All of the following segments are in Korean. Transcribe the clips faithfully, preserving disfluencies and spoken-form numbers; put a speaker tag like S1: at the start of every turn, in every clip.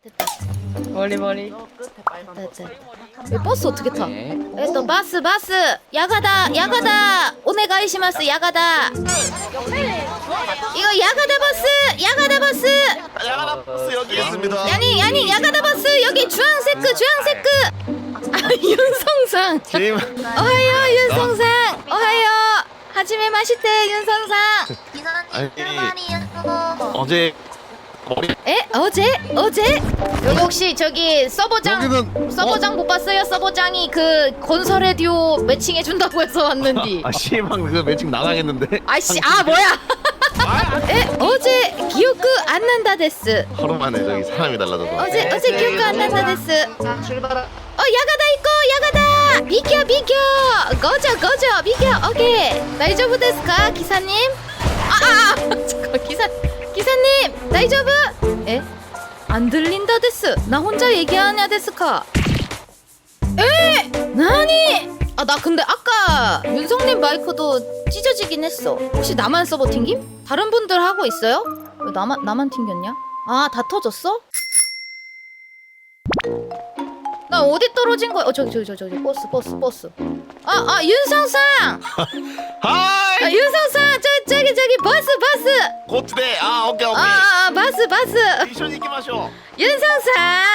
S1: 됐다.
S2: 머리 머리.
S1: 저 끝에 빨간 거.
S2: 됐다. 이 버스 어떻게 타?
S3: 네.
S2: 에또 바스 바스 야가다 야가다 오네가이시마스 야가다. 이거 야가다 버스 야가다 버스.
S4: 야가다 버스 여기 있습니다.
S2: 야니 야니 야가다 버스 여기 주황색크 주황색크. 아 윤성상.
S4: 팀
S2: 어하요 윤성상. 어하요. 하지메 마시테 윤성상.
S4: 아니 어제 머리
S2: 에 어제 어제 여기 혹시 저기 서버장
S4: 여기는
S2: 서버장 못 봤어요? 서버장이 그 건설의 듀오 매칭해 준다고 해서 왔는디.
S4: 아 씨방 그 매칭 나가겠는데?
S2: 아씨 아 뭐야? 에 어제 기억그 안 난다 데스.
S4: 하루 만에 저기 사람이 달라져서.
S2: 어제 어제 기억그 안 난다 데스.
S1: 자 출발하.
S2: 어 야가다 있고 야가다 비켜 비켜 거저 거저 비켜 오케이 다이저브 데스까 기사님? 아아 아, 잠깐 기사 기사님 다이저브? 에? 안 들린다 데스. 나 혼자 얘기하냐 데스까? 에? 나니? 아 나 근데 아까 윤성님 마이크도 찢어지긴 했어. 혹시 나만 서버 튕김? 다른 분들 하고 있어요? 왜 나만 나만 튕겼냐? 아 다 터졌어? 나 어디 떨어진 거야? 어 저기 저기 저기 저기 버스 버스 버스. 아 아 윤성상.
S4: 하이.
S2: 아 윤성상 저 저기 저기 버스 버스.
S4: 고트대. 아 오케이 오케이.
S2: 아, 아 버스 버스.
S4: 미션 이기 마셔.
S2: 윤성상.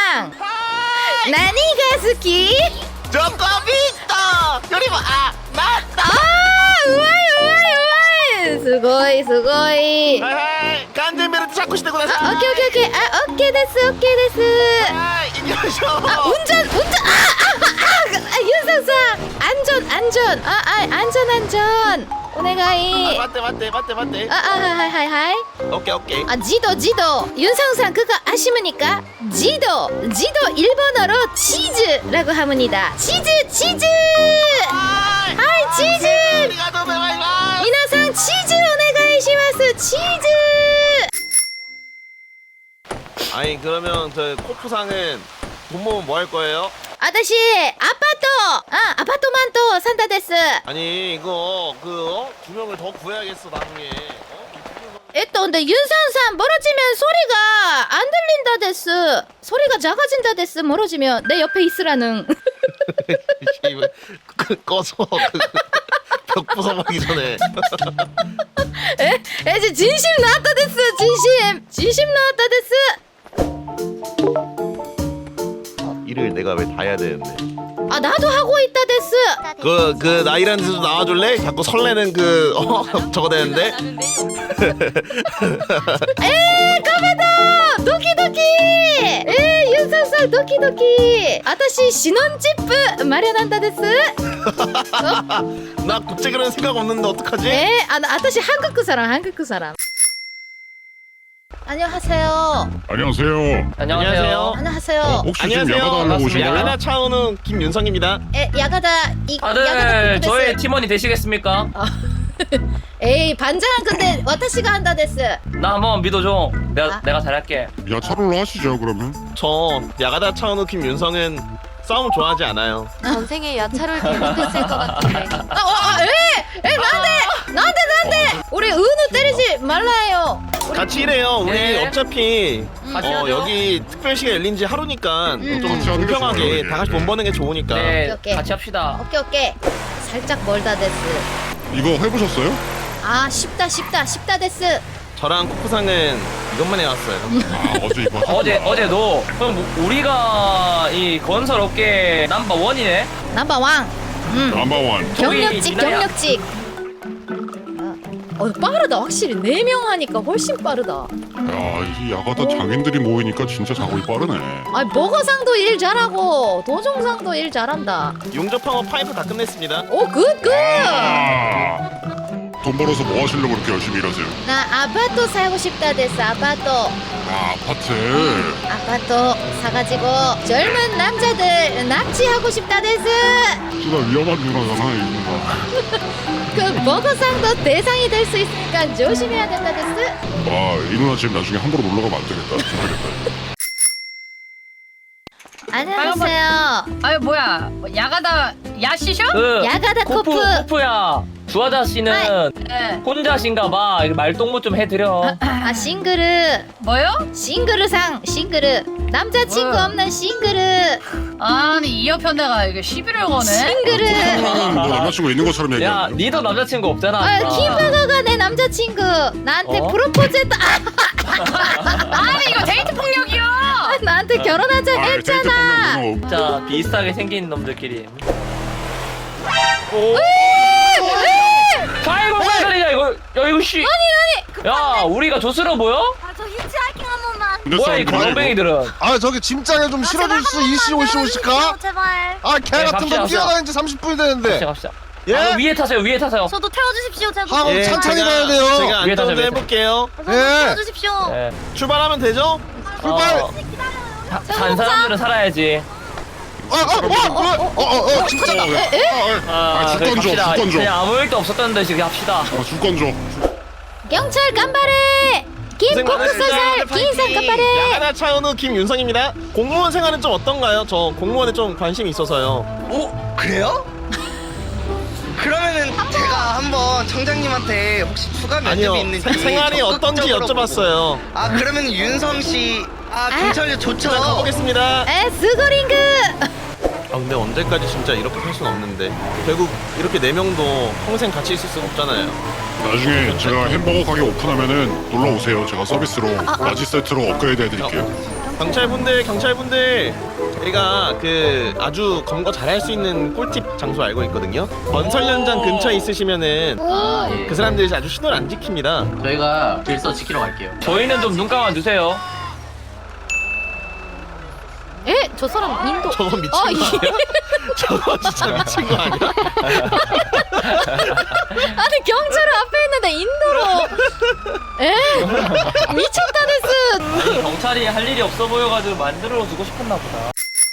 S2: 나니가 스키?
S4: 조코비토. 그리고 아 맞다.
S2: 아 우와이 우와이 우와이. 스고이 스고이.
S4: 하이 간젠베르트 자꾸 시대고 나서.
S2: 아 오케이 오케이 오케이. 아 오케이 데스 오케이 데스.
S4: 하이 이기 마셔.
S2: 아 운전 운전 아아아 아, 아, 윤성상 안전 안전 아 아 안전 안전 오네가이.
S4: 아, 맞대 맞대 맞대 맞대.
S2: 아, 아, 하이, 하이, 하이.
S4: 오케이 오케이.
S2: 아, 지도, 지도. 윤성상 그거 아시십니까? 지도, 지도 일본어로 치즈라고 합니다. 치즈, 치즈.
S4: 하이.
S2: 하이, 치즈.
S4: 아리가또 고자이마스.
S2: 미나상 치즈 오네가이시마스. 치즈.
S4: 아니 그러면 저 코프상은 돈 모으면 뭐 할 거예요?
S2: 아저씨, 아파트. 아, 아파트만 또 산다 데스.
S4: 아니 이거 그 어? 두 명을 더 구해야겠어 나중에. 어?
S2: 에또 근데 윤성상 멀어지면 소리가 안 들린다 데스. 소리가 작아진다 데스. 멀어지면 내 옆에 있으라는.
S4: 이거 그 꺼서 그 벽 부숴버리기 전에.
S2: 에? 에, 이제 진심 나왔다 데스. 진심. 진심 나왔다 데스.
S4: 일을 내가 왜 다 해야 되는데.
S2: 아 나도 하고 있다 데스.
S4: 그 그 나이라는 데서 나와줄래? 자꾸 설레는 그 어 저거 되는데.
S2: 에 가메다 도키도키. 에 윤성상 도키도키. 아타시 신혼집 마련한다 데스.
S4: 나 국제 그런 생각 없는데 어떡하지?
S2: 에 아, 아타시 한국 사람 한국 사람. 안녕하세요.
S5: 안녕하세요.
S3: 안녕하세요.
S2: 안녕하세요.
S5: 어, 혹시 지금
S4: 안녕하세요.
S5: 야가다 하려고 오신 거예요?
S4: 야가다 차오는 김윤성입니다.
S2: 에 야가다 이 야가다
S3: 다들
S2: 코코
S3: 저의
S2: 데스.
S3: 팀원이 되시겠습니까?
S2: 에이 반장은 근데 와타시가 한다 데스.
S3: 나 한번 믿어줘. 내가
S2: 아.
S3: 내가 잘할게.
S5: 야차롤로 하시죠 그러면.
S4: 저 야가다 차오는 김윤성은 싸움 좋아하지 않아요.
S6: 전생에 야차를 잘못했을 것 같은데.
S2: 아, 어, 아, 에, 에, 나한테, 나한테, 나한테. 우리 은우 때리지 말라요.
S4: 같이 일해요. 우리
S3: 네.
S4: 어차피
S3: 같이
S4: 어,
S3: 하죠.
S4: 여기 특별시가 열린 지 하루니까
S2: 음.
S4: 좀
S5: 같이 하는 게
S4: 공평하게
S5: 좋아요,
S4: 다 같이
S5: 이게.
S4: 돈 버는 게 좋으니까.
S3: 네,
S2: 오케이, 오케이.
S3: 같이 합시다.
S2: 오케이, 오케이. 살짝 멀다 데스.
S5: 이거 해보셨어요?
S2: 아, 쉽다, 쉽다, 쉽다 데스.
S4: 저랑 코프상은 이것만 해왔어요.
S5: 아 어제 이거 하셨구나.
S3: 어제 어제 너 그럼 우리가 이 건설 업계 넘버 원이네.
S2: 넘버 왕. 음.
S5: 넘버원.
S2: 경력직,
S3: 저기
S2: 경력직. 어, 빠르다. 확실히 네 명 하니까 훨씬 빠르다.
S5: 야이 야가다 장인들이 모이니까 진짜 작업이 빠르네.
S2: 아, 버거상도 일 잘하고 도종상도 일 잘한다.
S4: 용접항업 파이프 다 끝냈습니다.
S2: 오, 굿, 굿.
S5: 아, 돈 벌어서 뭐 하시려고 그렇게 열심히 일하세요?
S2: 나 아파트 살고 싶다 데스. 아파트.
S5: 아 아파트.
S2: 아파트 사가지고 젊은 남자들 납치하고 싶다 데스.
S5: 진짜 위험한 누나잖아 이 누나.
S2: 그 버거상도 대상이 될 수 있으니까 조심해야 된다 데스.
S5: 아이 누나 지금 나중에 함부로 놀러 가면 안 되겠다. 조심해야겠다.
S2: 안녕하세요.
S7: 아유 뭐야 야가다 야시셔?
S3: 그
S2: 야가다
S3: 코프
S2: 코프.
S3: 코프야. 주하다 씨는
S7: 네.
S3: 혼자신가봐. 말동무 좀 해드려.
S2: 아 싱그르
S7: 뭐요?
S2: 싱그르상 싱그르. 남자친구
S7: 어.
S2: 없는 싱글을.
S7: 아니 이 옆에 내가 이게 시비를 거네.
S2: 싱글을.
S5: 그러면 뭐 남자친구 있는 것처럼
S3: 야
S5: 얘기하는
S3: 니도 남자친구 없잖아.
S2: 아, 김바가가 내 남자친구. 나한테
S3: 어?
S2: 프로포즈했다.
S7: 아니 이거 데이트 폭력이야.
S2: 아, 나한테 결혼하자
S5: 아, 데이트
S2: 했잖아.
S5: 폭력은 뭐
S3: 자 비슷하게 생긴 놈들끼리. 아이고 빨리야 이거 야 이거 씨. 아니 아니. 야 우리가 조스러 보여?
S6: 아저 히치하이킹 한 번만.
S5: 근데
S3: 뭐야 이
S5: 사람들이
S3: 거렁뱅이들은.
S1: 아 저기 짐장에 좀 실어줄 수 이씨 오씨 오실까?
S6: 제발.
S1: 아 개
S3: 네,
S1: 같은
S3: 갑시다,
S1: 거
S3: 갑시다.
S1: 뛰어다니는 지 삼십 분이 되는데.
S3: 갑시다 갑시다.
S1: 예?
S3: 아, 위에 타세요 위에 타세요.
S6: 저도 태워주십시오 제발.
S1: 하고
S4: 예,
S1: 천천히
S4: 제가-
S1: 가야 돼요.
S4: 제가
S3: 위에 타세요,
S4: 안전운전
S3: 위에
S4: 해볼게요.
S6: 저도
S1: 예.
S6: 태워주십시오.
S3: 네.
S4: 출발하면 되죠?
S1: 출발.
S3: 어, 사- 산 사람들은 살아야지.
S1: 아아어어어어 진짜.
S5: 어, 예.
S3: 아,
S5: 아, 줄
S3: 그래,
S5: 건 줘,
S3: 갑시다.
S5: 줄 건 줘.
S3: 그냥 아무 일도 없었던 듯이 그냥 합시다.
S5: 아, 줄건 줘.
S2: 경찰 간발해. 김 공수살 김인상 간발해.
S4: 야가다 차은우 김윤성입니다. 공무원 생활은 좀 어떤가요? 저 공무원에 좀 관심이 있어서요.
S8: 오 그래요? 그러면은 제가 한번 청장님한테 혹시 추가 면접이
S4: 아니요,
S8: 있는지
S4: 세- 생활이 어떤지
S8: 적극적으로
S4: 여쭤봤어요.
S8: 보고. 아 그러면 윤성 씨, 아 경찰 좋죠.
S4: 자, 가보겠습니다.
S2: 에 스고링그.
S4: 아 근데 언제까지 진짜 이렇게 할 수는 없는데 결국 이렇게 네 명도 평생 같이 있을 수 없잖아요.
S5: 나중에 제가 햄버거 가게 오픈하면은 놀러 오세요. 제가 서비스로 라지 세트로 업그레이드 해드릴게요.
S4: 경찰분들 경찰분들 저희가 그 아주 검거 잘할 수 있는 꿀팁 장소 알고 있거든요. 건설 현장 근처에 있으시면은
S3: 아, 예.
S4: 그 사람들이 아주 신호를 안 지킵니다.
S9: 저희가 질서 지키러 갈게요.
S3: 저희는 좀 눈 감아 주세요.
S2: 에? 저 사람 인도.
S4: 저거 미친
S2: 어,
S4: 거
S2: 이-
S4: 아니야? 저거 진짜 미친 거 아니야?
S2: 아니 경찰은 앞에 있는데 인도로. 에? 미쳤다 데스.
S3: 아니, 경찰이 할 일이 없어 보여가지고 만들어 두고 싶었나 보다.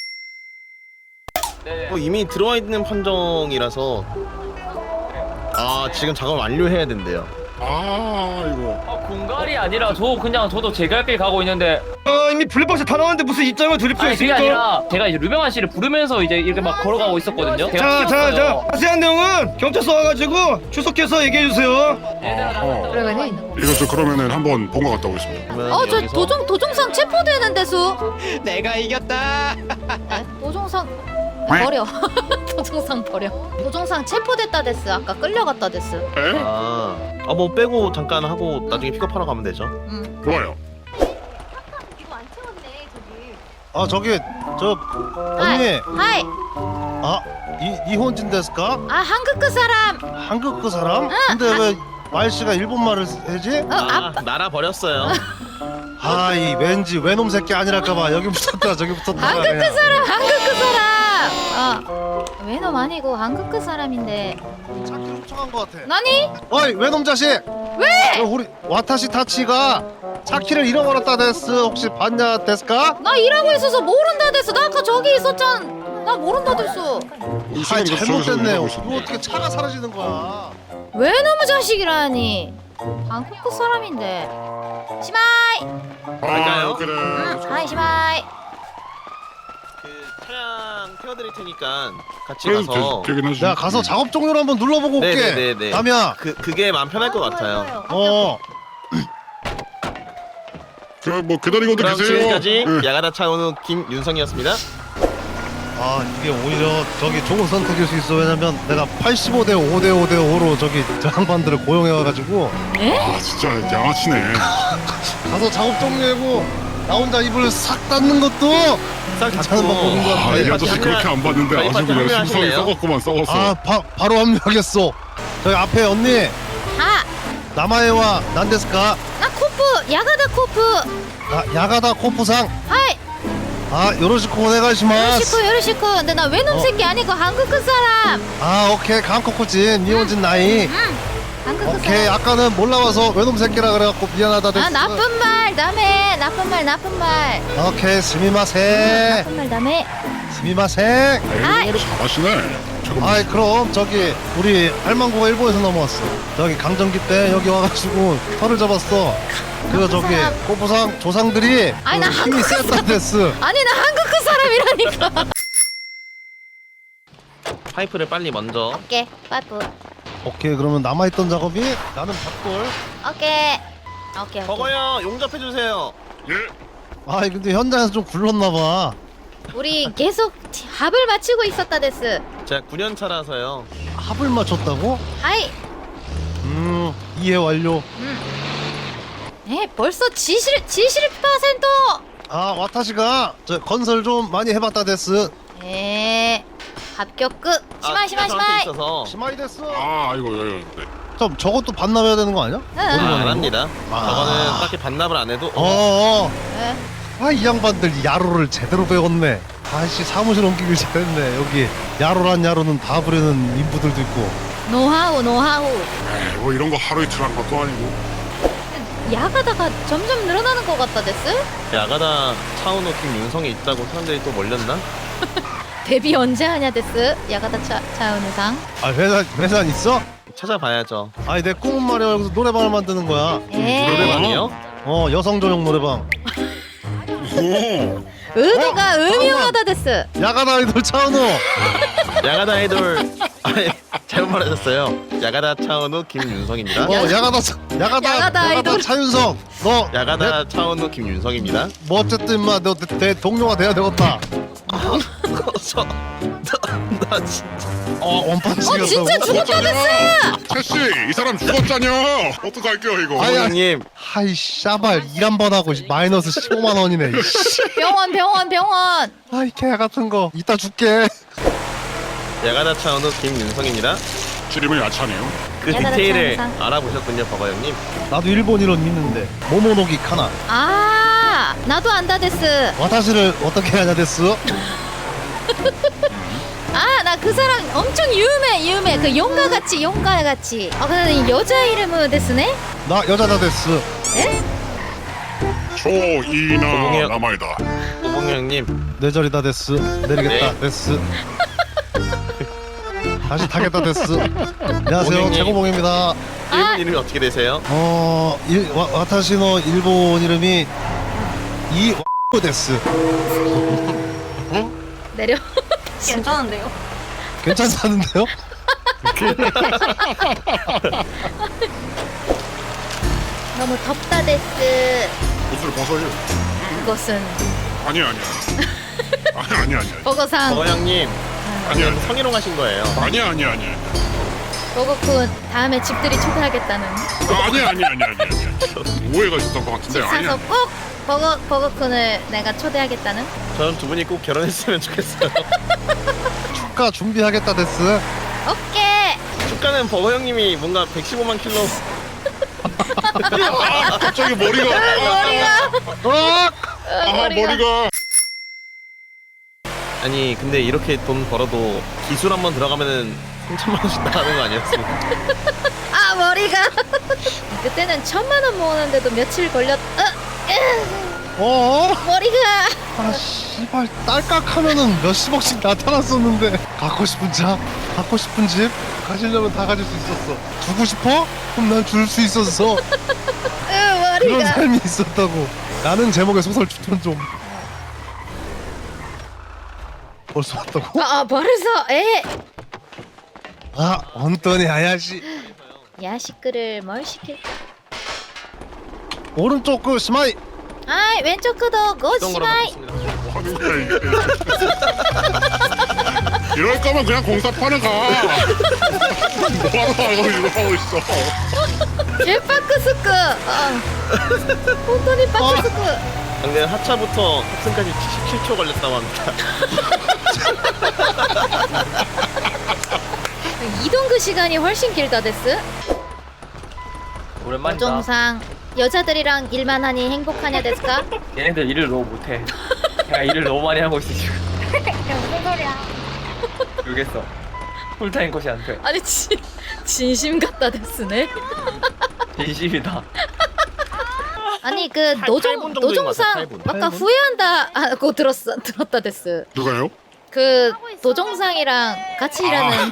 S3: 네.
S4: 어, 이미 들어와 있는 판정이라서 아 지금 작업 완료해야 된대요.
S5: 아, 이거.
S3: 아, 공갈이 아니라 저 그냥 저도 제 갈 길 가고 있는데
S8: 어 이미 블랙박스 다 나왔는데 무슨 입장을 돌릴 필요
S3: 아니 그게
S8: 있습니까?
S3: 아니라 제가 이제 류병환 씨를 부르면서 이제 이렇게 막 걸어가고 있었거든요. 제가
S8: 자자자
S3: 찍었어요.
S8: 자세한 내용은 경찰서 와가지고 추석해서 얘기해 주세요.
S5: 이거 저 그러면은 한번 본가 갔다 오겠습니다.
S4: 그러면
S2: 어 저
S4: 여기서
S2: 도종 도종상 체포되는 데수.
S8: 내가 이겼다.
S2: 에? 도종상 버려. 도종상 버려. 도종상 체포됐다 데스. 아까 끌려갔다 데스.
S5: 에?
S4: 아, 아, 뭐 빼고 잠깐 하고 나중에 픽업하러 가면 되죠.
S2: 응.
S5: 좋아요.
S6: 이거 안 채웠네 저기.
S1: 아 저기 저 언니.
S2: 하이.
S1: 아 이, 이혼진 데스까?
S2: 아 한국 그 사람.
S1: 한국 그 사람? 근데 왜 말씨가 일본 말을 해지?
S2: 어
S4: 아,
S2: 아빠.
S4: 날아 버렸어요.
S1: 아 이 왠지 외놈 새끼 아니랄까봐 여기 붙었다 저기 붙었다.
S2: 한국 그 사람. 한국 그 사람. 어. 외놈 아니고 한국 그 사람인데.
S1: 찾기 훔쳐간 것 같아.
S2: 나니?
S1: 어이 외놈 자식. 왜? 우리 와타시 타치가 차키를 잃어버렸다 데스. 혹시 봤냐 데스까?
S2: 나 일하고 있어서 모른다 데스. 나 아까 저기 있었잖아. 나 모른다 데스.
S1: 아 잘못됐네. 이거 어떻게 차가 사라지는 거야?
S2: 외놈의 자식이라니. 한국 그 사람인데. 시마이.
S5: 아, 그래.
S2: 응. 하이 시마이.
S4: 그 차량 태워드릴 테니까 같이
S5: 그래도
S4: 가서
S5: 되, 되긴 하지.
S1: 내가 가서 작업 종료를 한번 눌러보고 올게.
S4: 네네네네.
S1: 남이야.
S4: 그 그게 마음 편할 것 같아요.
S1: 어.
S5: 그뭐 기다리고도
S4: 그럼
S5: 계세요.
S4: 지금까지
S5: 예.
S4: 야가다 차은우 김윤성이었습니다.
S1: 아 이게 오히려 저기 좋은 선택일 수 있어. 왜냐면 내가 팔십오 대 오 대 오 대 오로 저기 저 양반들을 고용해와가지고
S5: 아, 진짜 양아치네.
S1: 가서 작업 종료하고 나 혼자 입을 싹 닫는 것도
S4: 싹
S1: 괜찮은 방법인 것
S5: 아,
S1: 같아.
S5: 이 아저씨 그렇게 안 봤는데
S4: 저희
S5: 아주
S4: 파티
S5: 그냥
S4: 합류하실래요?
S5: 심성이 썩었구만 썩었어.
S1: 아 바, 바로 합류하겠어. 저기 앞에 언니
S2: 하.
S1: 나마에와 난데스까?
S2: 나 코프. 야가다 코프.
S1: 아, 야가다 코프상.
S2: 하이.
S1: 아 요로시코 오네가시마스.
S2: 요리시코 요리시코. 근데 나 외놈
S1: 어.
S2: 새끼 아니고 한국 그 사람.
S1: 아 오케이 강코코진 니혼진 나이.
S2: 응. 한국 그
S1: 오케이
S2: 사람.
S1: 아까는 몰라와서 외놈 새끼라 그래갖고 미안하다 됐어.
S2: 아 나쁜 말 남해. 나쁜 말 나쁜 말.
S1: 오케이 스미마세.
S2: 나쁜 말 남해.
S1: 스미마세.
S2: 아이.
S5: 잘하시네. 잠깐만.
S1: 아이 그럼 저기 우리 할망구가 일본에서 넘어왔어. 저기 강점기 때 여기 와가지고 털을 잡았어. 그 저기
S2: 사람.
S1: 꼬부상 조상들이
S2: 아니,
S1: 그
S2: 나
S1: 힘이
S2: 한국
S1: 세다 됐어.
S2: 아니 나 한국 그 사람이라니까.
S4: 파이프를 빨리 먼저.
S2: 오케이 파이프.
S1: 오케이 그러면 남아있던 작업이 나는 밭골.
S2: 오케이. 오케이. 오케이.
S4: 버거요 용접해 주세요.
S5: 예.
S1: 아 근데 현장에서 좀 굴렀나 봐.
S2: 우리 계속 합을 맞추고 있었다 데스.
S4: 제가 구 년 차라서요.
S1: 합을 맞췄다고?
S2: 하이.
S1: 음 이해 완료.
S2: 에 벌써 지실 지실 퍼센트.
S1: 아 와타시가 저 건설 좀 많이 해봤다 데스.
S2: 에 합격 끝. 시마이 시마이 시마이.
S4: 있어서
S1: 시마이 데스.
S5: 아 이거 이거 네.
S1: 좀 저것도 반납해야 되는 거 아니야?
S2: 응.
S4: 아, 안 합니다.
S1: 아.
S4: 저거는 딱히 반납을 안 해도 어,
S1: 어어.
S2: 에.
S1: 아 이 양반들 야로를 제대로 배웠네. 아씨 사무실 옮기길 잘했네. 여기 야로란 야로는 다 부르는 인부들도 있고.
S2: 노하우 노하우.
S5: 에이, 뭐 이런 거 하루 이틀 한 것도 아니고.
S2: 야가다가 점점 늘어나는 것 같다 데스.
S4: 야가다 차은호 팀 윤성이 있다고 사람들이 또 몰렸나?
S2: 데뷔 언제 하냐 데스. 야가다 차 차은우상.
S1: 아 회사 회사 있어?
S4: 찾아봐야죠.
S1: 아니 내 꿈은 말이야 여기서 노래방을 만드는 거야.
S2: 에.
S4: 노래방이요?
S1: 어 여성 전용 노래방.
S5: 오.
S2: 의도가
S1: 어?
S2: 음흉하다 데스.
S1: 야간 아이돌 차은우.
S4: 야가다 아이돌 아니 잘못 말하셨어요. 야가다 차은호 김윤성입니다.
S1: 어 야가다 차- 야가다
S2: 야가다 아이돌.
S1: 야가다 차윤성. 너
S4: 야가다 차은호 김윤성입니다.
S1: 뭐 어쨌든 인마 너 내 동료가 돼야 되겠다.
S4: 저, 나, 나 진짜
S1: 어 원판치기.
S2: 어 진짜 죽었다 데스.
S5: 채씨 이 사람 죽었잖여. 어떡할게요 이거.
S1: 아야.
S4: 부모님
S1: 하이 샤발 일 한 번 하고 마이너스 십오만 원이네.
S2: 병원 병원 병원.
S1: 아이 개 같은 거 이따 줄게.
S4: 야가다 차은호 김윤성입니다.
S5: 줄임은 야차네요.
S4: 그
S2: 야가다
S4: 디테일을
S2: 차은상.
S4: 알아보셨군요, 버거 형님.
S1: 나도 일본 이론 있는데 모모노기 카나.
S2: 아 나도 안다 데스.
S1: 와타시를 어떻게 하냐 됐어?
S2: 아 나 그 사람 엄청 유명해 유명해. 그 용가 같이 용가 같이. 아 근데 여자 이름은 데스네.
S1: 나 여자다 됐어.
S2: 에?
S5: 조이나
S4: 조용해요.
S5: 남아이다.
S4: 오봉 형님,
S1: 내 자리다 됐어. 내리겠다
S4: 네.
S1: 됐어. 다시 타겠다 됐어. 안녕하세요
S4: 고객님.
S1: 최고봉입니다.
S4: 일본
S2: 아.
S4: 이름이 어떻게 되세요?
S1: 어 일, 와, 와타시노 일본 이름이 이 됐어.
S2: 내려.
S6: 괜찮은데요?
S1: 괜찮다는데요?
S2: 너무 덥다 데스.
S5: 옷을 벗어요.
S2: 그것은
S5: 아니 아니야. 아니 아니 아니.
S2: 버거상.
S4: 버거 형님,
S5: 아니 아니.
S4: 성희롱 하신 거예요.
S5: 아니 아니 아니.
S2: 버거쿤 다음에 집들이 초대하겠다는.
S5: 아니 아니 아니 아니 아니. 오해가 있었던 것 같은데
S2: 집
S5: 아니
S2: 사서
S5: 아니.
S2: 꼭 버거 버거쿤을 내가 초대하겠다는.
S4: 저는 두 분이 꼭 결혼했으면 좋겠어요.
S1: 축가 준비하겠다 됐어.
S2: 오케이.
S4: 축가는 버거 형님이 뭔가 백십오만 킬로.
S5: 아 갑자기 머리가.
S2: 머리가.
S1: 어?
S5: 아 머리가.
S4: 아니 근데 이렇게 돈 벌어도 기술 한번 들어가면은 삼천만 원씩 나가는 거 아니었습니까?
S2: 아 머리가. 그때는 천만 원 모으는데도 며칠 걸렸. 어, 으,
S1: 어?
S2: 머리가.
S1: 아 씨발 딸깍하면은 몇십억씩 나타났었는데 갖고 싶은 차, 갖고 싶은 집 가지려면 다 가질 수 있었어. 주고 싶어? 그럼 난 줄 수 있었어.
S2: 으,
S1: 그런
S2: 머리가.
S1: 삶이 있었다고. 라는 제목의 소설 추천 좀. 벌써 왔다고?
S2: 아, 아 벌써 에.
S1: 아 언더니 아야시.
S2: 야식글을 뭘 시킬까?
S1: 오른쪽 그 스마이.
S2: 아이 왼쪽 그도
S4: 어떤 거로
S2: 고시마이.
S4: 바꿨습니다.
S5: 뭐 하는 거야 이게. 이럴 거면 그냥 공사판을 가. 뭐하러 가고 이거 하고 있어.
S2: 개파크스크. 아. 혼돈이 파크스크.
S4: 근데 하차부터 탑승까지 칠십칠 초 걸렸다고 합니다.
S2: 이동 그 시간이 훨씬 길다 데스.
S3: 오랜만이다.
S2: 조정상 여자들이랑 일만 하니 행복하냐 데스까?
S3: 얘네들 일을 너무 못해. 내가 일을 너무 많이 하고 있어 지금.
S6: 무슨 소리야?
S3: 모르겠어. 풀타임 컷이 안 돼.
S2: 아니 진 진심 같다 데스네.
S3: 진심이다.
S2: 아니 그
S4: 팔-
S2: 노종
S4: 팔 분 정도인 것 같아,
S2: 노종상
S4: 팔 분.
S2: 아까
S4: 팔 분?
S2: 후회한다 하고 들었어 들었다 데스.
S5: 누가요?
S2: 그 노종상이랑 같이 일하는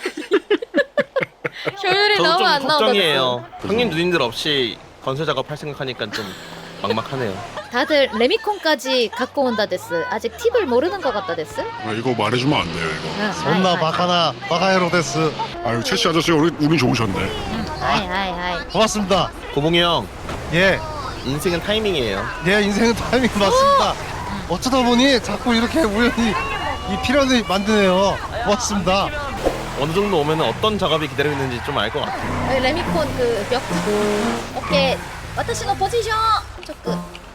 S2: 효율이
S4: 저도
S2: 너무
S4: 좀
S2: 안 나오다
S4: 걱정이에요. 형님 누님들 없이 건설 작업할 생각하니까 좀 막막하네요.
S2: 데스. 다들 레미콘까지 갖고 온다 데스. 아직 팁을 모르는 것 같다 데스.
S5: 아, 이거 말해주면 안 돼요 이거.
S1: 존나 바카나 바카헤로 데스.
S5: 아유 채씨 아저씨 우리 운이 좋으셨네.
S2: 아이 아이 아이.
S1: 고맙습니다.
S4: 고봉이 형,
S1: 예.
S4: 인생은 타이밍이에요.
S1: 내 인생은 타이밍 맞습니다. 어쩌다 보니 자꾸 이렇게 우연히 이 필연을 만드네요. 고맙습니다.
S4: 어느 정도 오면 어떤 작업이 기다리고 있는지 좀 알 것 같아요.
S2: 어, 레미콘 그 벽. 오케이. 私の 포지션. 조금.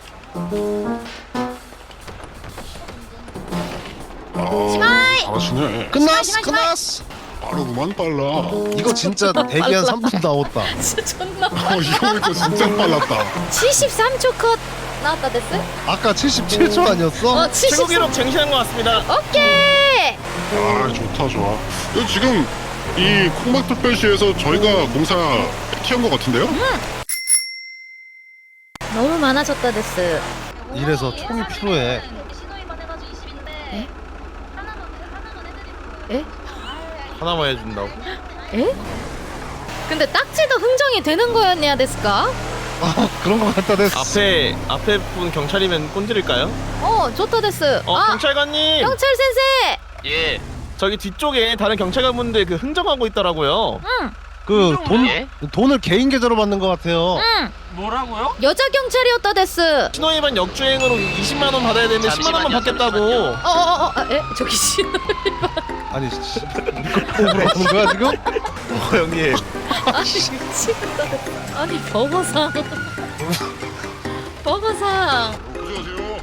S2: 시마이!
S5: 잘하시네.
S1: 끝났어,
S2: 시발, 시발.
S1: 끝났어.
S5: 빠르구만 빨라.
S1: 이거 진짜 대기 한 삼 분 나왔다.
S2: 진짜 존나.
S5: 어 이거 보니까 진짜 빨랐다.
S2: 칠십삼 초 컷 나왔다 됐어?
S1: 아까 칠십칠 초 아니었어?
S2: 어,
S4: 최고
S2: 칠십삼.
S4: 기록 쟁취한 것 같습니다.
S2: 오케이.
S5: 아 좋다 좋아. 이거 지금 이 콩막특별시에서 저희가 공사 키운 것 같은데요?
S2: 너무 많아졌다 됐어.
S1: 이래서 총이 필요해.
S2: 에?
S4: 하나만 해준다고.
S2: 에? 근데 딱지도 흥정이 되는 거였냐 됐을까?
S1: 아, 그런 거 같다 됐어.
S4: 앞에 앞에 분 경찰이면 꼰드릴까요?
S2: 어, 좋다 됐어.
S4: 어
S2: 아,
S4: 경찰관님.
S2: 경찰 센세.
S4: 예. 저기 뒤쪽에 다른 경찰관분들 그 흥정하고 있더라고요.
S2: 응,
S1: 그 돈 돈을 개인 계좌로 받는 것 같아요.
S2: 응.
S3: 뭐라고요?
S2: 여자 경찰이었다 됐어.
S4: 신호위반 역주행으로 이십만 원 받아야 되는데 십만 원만 받겠다고.
S2: 어, 어, 어, 어, 에? 저기 씨.
S1: 아니, 씨, 우리 거 뽑으러 가는 거야 지금?
S4: 어 형님.
S2: 아니 미치겠다. 아니 버거상. 버거상.
S5: 안녕하세요.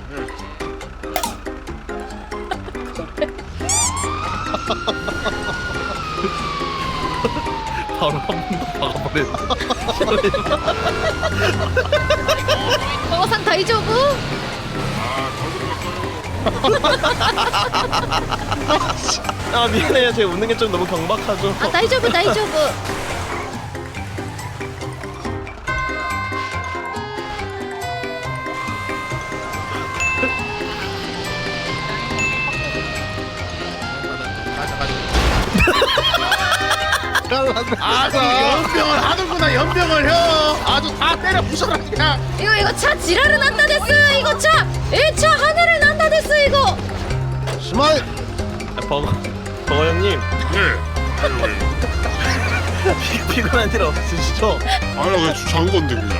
S4: 바로 한 번 더 박아버렸어.
S2: 버거상 다이조부?
S4: 아 미안해요. 제가 웃는 게 좀 너무 경박하죠.
S2: 아 다이조부 다이조부.
S5: 아주 연병을 하는구나 연병을 형. 아주 다 때려 부숴라 그냥.
S2: 이거 이거 차 지랄을 난다 됐어. 이거 차. 이 차 하늘을 난다 됐어 이거.
S1: 스마일.
S4: 아, 버거 버거 형님.
S5: 네. 아유, 아유.
S4: 피, 피곤한 일 없으시죠?
S5: 아니 나 그냥 주차한 건데 그냥.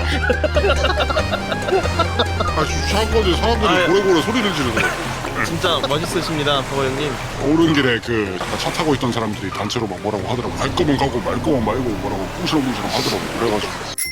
S5: 아 주차한 건데 사람들이
S4: 아유.
S5: 고래고래 소리를 지르더라고.
S4: 진짜 멋있으십니다, 버거 형님.
S5: 오는 길에 그 차 타고 있던 사람들이 단체로 막 뭐라고 하더라고. 갈 거면 가고 말 거면 말고 뭐라고 꿍시렁꿍시렁 하더라고. 그래가지고.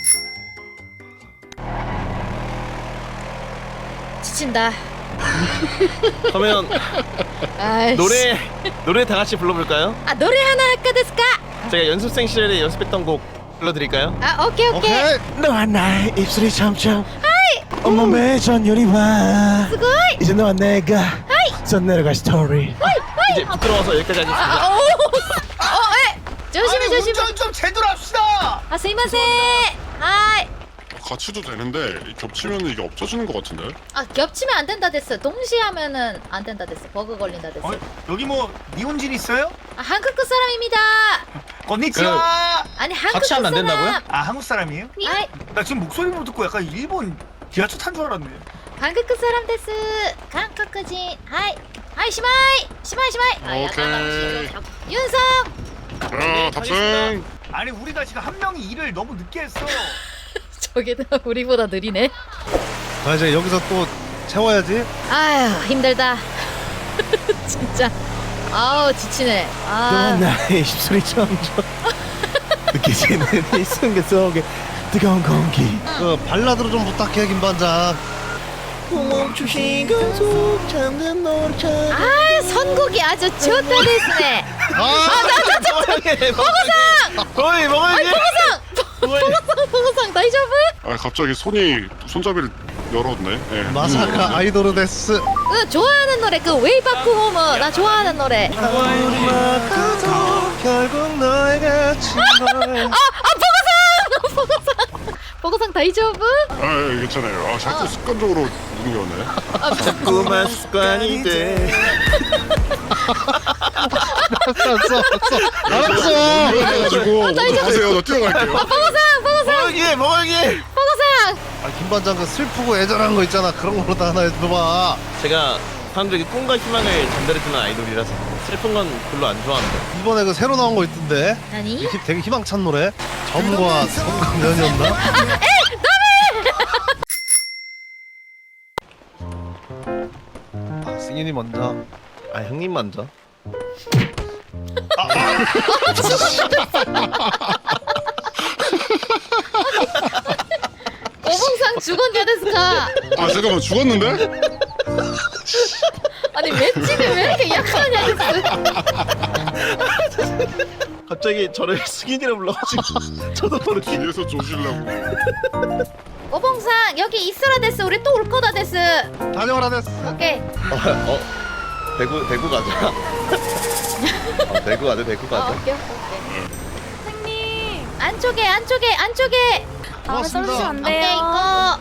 S2: 지친다.
S4: 그러면
S2: 아이씨.
S4: 노래 노래 다 같이 불러볼까요?
S2: 아 노래 하나 할까 됐을까?
S4: 제가 연습생 시절에 연습했던 곡 불러드릴까요?
S2: 아 오케이 오케이.
S1: 오케이.
S4: 너와 나의 입술이 점점 온몸에 전율이 와
S2: 스고이.
S4: 이제 너와 내가 전 내려갈 스토리 이제 부끄러워서 여기까지 하겠습니다.
S2: 아, 오. 어, 에. 조심해 조심해.
S8: 운전 좀 제대로 합시다.
S2: 아 스이마세. 하이.
S5: 같이도 되는데 겹치면 이게 없어지는 것 같은데.
S2: 아 겹치면 안 된다 됐어. 동시에 하면은 안 된다 됐어. 버그 걸린다 됐어.
S8: 어, 여기 뭐 니혼진 있어요?
S2: 아 한국 그 사람입니다.
S8: 건니치와.
S2: 아니 한국
S3: 같이 하면 안
S2: 사람.
S3: 된다고요?
S8: 아 한국 사람이에요?
S2: 아이
S8: 나 지금 목소리만 듣고 약간 일본 지하철 탄 줄 알았네.
S2: 한국 그 사람 됐어. 한국인. 하이. 하이 시마이. 시마이 시마이.
S5: 오케이.
S2: 윤성.
S5: 자 탑승.
S8: 아니 우리가 지금 한 명이 일을 너무 늦게 했어.
S2: 저게 다 우리보다 느리네.
S1: 아 이제 여기서 또 채워야지.
S2: 아휴 힘들다. 진짜. 아우 지치네. 아.
S4: 나의 입술이 점점 느껴지는 이 순간 속에 뜨거운 공기
S1: 그 발라드로 좀 부탁해 김 반장.
S4: 멈추신 건속 잠든 노을처럼
S2: 아 선곡이 아주 좋다 됐네.
S1: 아,
S4: 버거상! 어이 버거님!
S2: 보고상 보고상 다이저브?
S5: 아 갑자기 손이 손잡이를 열었네. 예.
S1: 마사카 아이돌 데스.
S2: 그 좋아하는 노래 그 웨이바크 홈어 나 좋아하는 노래.
S1: 결국 너에게 친걸.
S2: 아 보고상 보고상 보고상 다이저브?
S5: 아 예, 괜찮아요. 아 자꾸 습관적으로 누르네.
S4: 자꾸만 습관이 돼
S1: 알았어, 알았어, 알았어.
S5: 그래가지고 먼저 가세요. 나 뛰어갈게요.
S2: 보고상 보고상
S4: 버거님 버거님!
S2: 보고상.
S1: 아, 김 반장 그 슬프고 애절한 거 있잖아. 그런 거로 다 하나 해줘봐.
S4: 제가 사람들에게 꿈과 희망을 전달해주는 아이돌이라서 슬픈 건 별로 안 좋아합니다.
S1: 이번에 그 새로 나온 거 있던데.
S2: 아니?
S1: 이 되게 희망찬 노래. 점과 성강연이었나? 승인이 먼저.
S4: 아 형님 먼저.
S2: 오봉상 죽었냐 데스까?
S5: 아 잠깐만 죽었는데?
S2: 아니 맷집이 왜 이렇게 약하냐 데스?
S4: 갑자기 저를 승인이라 불러가지고 저도 모르게.
S5: 뒤에서 조질라고.
S2: 오봉상 여기 있으라 데스. 우리 또 올 거다 데스.
S1: 다녀오라 됐어.
S2: 오케이.
S4: 어, 어 대구 대구 가자. 어, 대구 가자 대구
S2: 어,
S4: 가자.
S2: 오케이 오케이.
S6: 선생님.
S2: 안쪽에 안쪽에 안쪽에.
S6: 다음에
S1: 고맙습니다.
S6: 써주시면 안
S2: 오케이
S6: 돼요.
S2: 이거.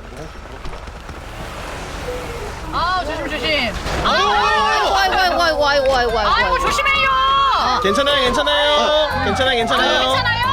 S7: 아 조심 조심.
S2: 아이고 아이고 아이고 아이고 아이고 아이고 아이고.
S7: 아이고 조심해요.
S2: 어.
S4: 괜찮아요 괜찮아요. 괜찮아요 괜찮아요.
S7: 괜찮아요?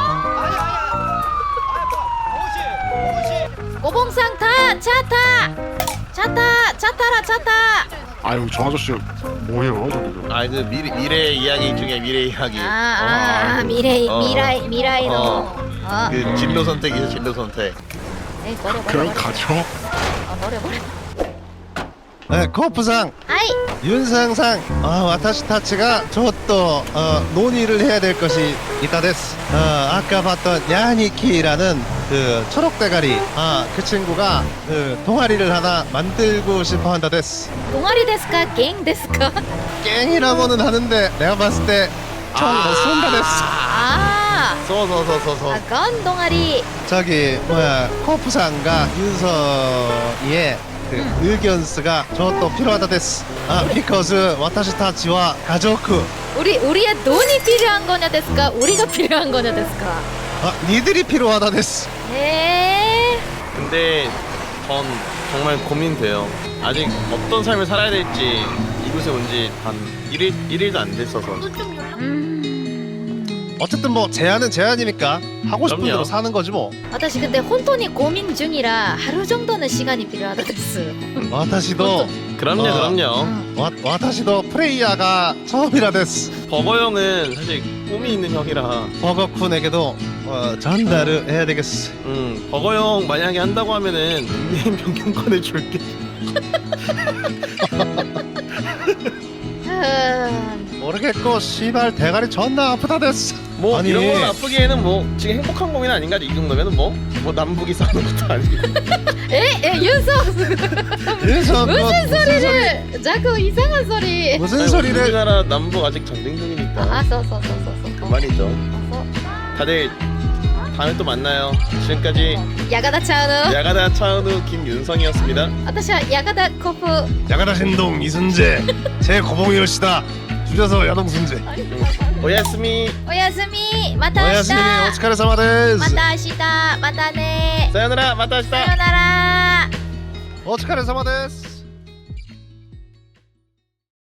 S2: 오봉상 타! 차 타! 차 타! 차 타라 차 타!
S5: 아유 저 아저씨 뭐예요 저기서?
S4: 아그 미래 미래 이야기 중에 미래 이야기.
S2: 아, 아, 아 미래
S4: 어.
S2: 미라이 미라이로.
S4: 어.
S2: 어.
S4: 그 진로 선택이죠 진로 선택.
S2: 에이 버려 버려
S5: 그냥
S2: 버려.
S5: 가죠.
S2: 어, 버려 버려.
S1: 네, 코프상,
S2: 아이
S1: 윤상상, 아, 와타시 타치가 저또 어, 논의를 해야 될 것이 있다 데스. 어, 아까 봤던 야니키라는 그 초록 대가리, 아, 그 친구가 그 동아리를 하나 만들고 싶어 한다 데스.
S2: 동아리 데스까 갱 데스까?
S1: 깽이라고는 하는데 내가 봤을 때총못 쏜다 데스.
S2: 아,
S4: 서서서서서.
S2: 아, 건 동아리.
S1: 저기 뭐야 코프상과 윤서의 그 의견스가 저또 필요하다 데스. 아, because 와타시 타치와 가족.
S2: 우리 우리의 돈이 필요한 거냐 데스까? 우리가 필요한 거냐 데스까?
S1: 아, 니들이 필요하다 데스.
S2: 에.
S4: 근데 전 정말 고민돼요. 아직 어떤 삶을 살아야 될지 이곳에 온 지 한 일일 일일도 안 됐어서.
S2: 음.
S1: 어쨌든 뭐 제안은 제안이니까 하고 싶은
S4: 그럼요.
S1: 대로 사는 거지 뭐.
S2: 私 근데 혼돈이 고민 중이라 하루 정도는 시간이 필요하다 데스.
S1: 와타시도
S4: 그럼요
S1: 어.
S4: 그럼요.
S1: 와, 와타시도 프레이야가 처음이라 데스.
S4: 버거 형은 사실 꿈이 있는 형이라.
S1: 버거쿤에게도 어, 전달을 해야 되겠어.
S4: 음 버거 형 만약에 한다고 하면은 닉네임 변경권을 줄게.
S2: 음.
S1: 모르겠고 씨발 대가리 존나 아프다 데스.
S4: 뭐
S1: 아니.
S4: 이런 건 아프기에는 뭐 지금 행복한 고민 아닌가 이 정도면은 뭐 뭐 남북이 싸우는 것도 아니고.
S2: 에? 에 윤석
S1: 그래서 뭐
S2: 무슨 소리를 자꾸 이상한 소리.
S1: 무슨
S4: 아니,
S1: 소리를
S4: 우리나라 남북 아직 전쟁 중이니까.
S2: 아써써써써써
S4: 그만이죠. 다들 다음에 또 만나요. 지금까지
S2: 야가다 차은우.
S4: 야가다 차은우 김윤성이었습니다.
S2: 私は 야가다 코프.
S1: 야가다 신동 이순재 제 고봉이요시다 줄여서 야동순재.
S4: 오야스미.
S2: 오야스미. 마타
S1: 오야스미
S2: 아시다.
S1: 오츠카레사마 데스.
S2: 마타 아시다. 마타네.
S4: 사요나라 마타시타.
S2: 사요나라.
S1: 오츠카레사마 데스.